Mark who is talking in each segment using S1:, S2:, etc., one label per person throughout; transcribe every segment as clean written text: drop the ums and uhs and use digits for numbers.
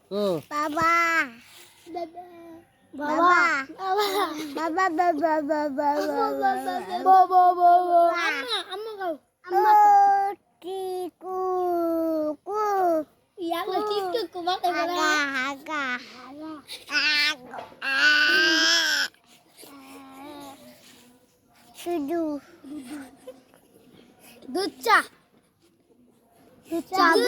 S1: Oh.
S2: Baba. Baba. Baba. Baba. Baba. Amma kau. Amma kau. Tiku. Ku. Iya, tiku ku pakai bola. Agak. Sudu. Duca. Duca.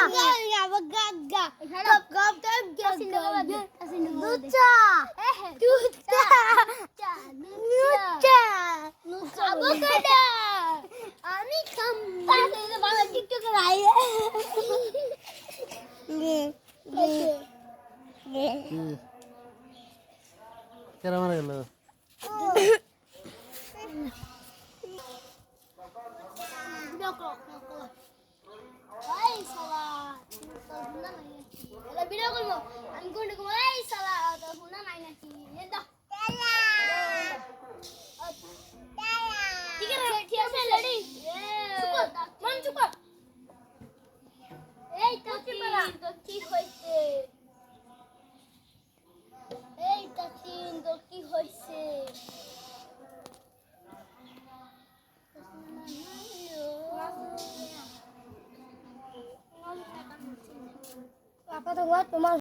S1: Kira mana gelo?
S2: Wahai salah, teleponan aja. Kalau video call mo, I'm going to go. Wahai salah, teleponan aja sih. Dah. Tiga saya lari. Cukup, man cukup. Doki hoise. Doki hoise. Apa tuh buat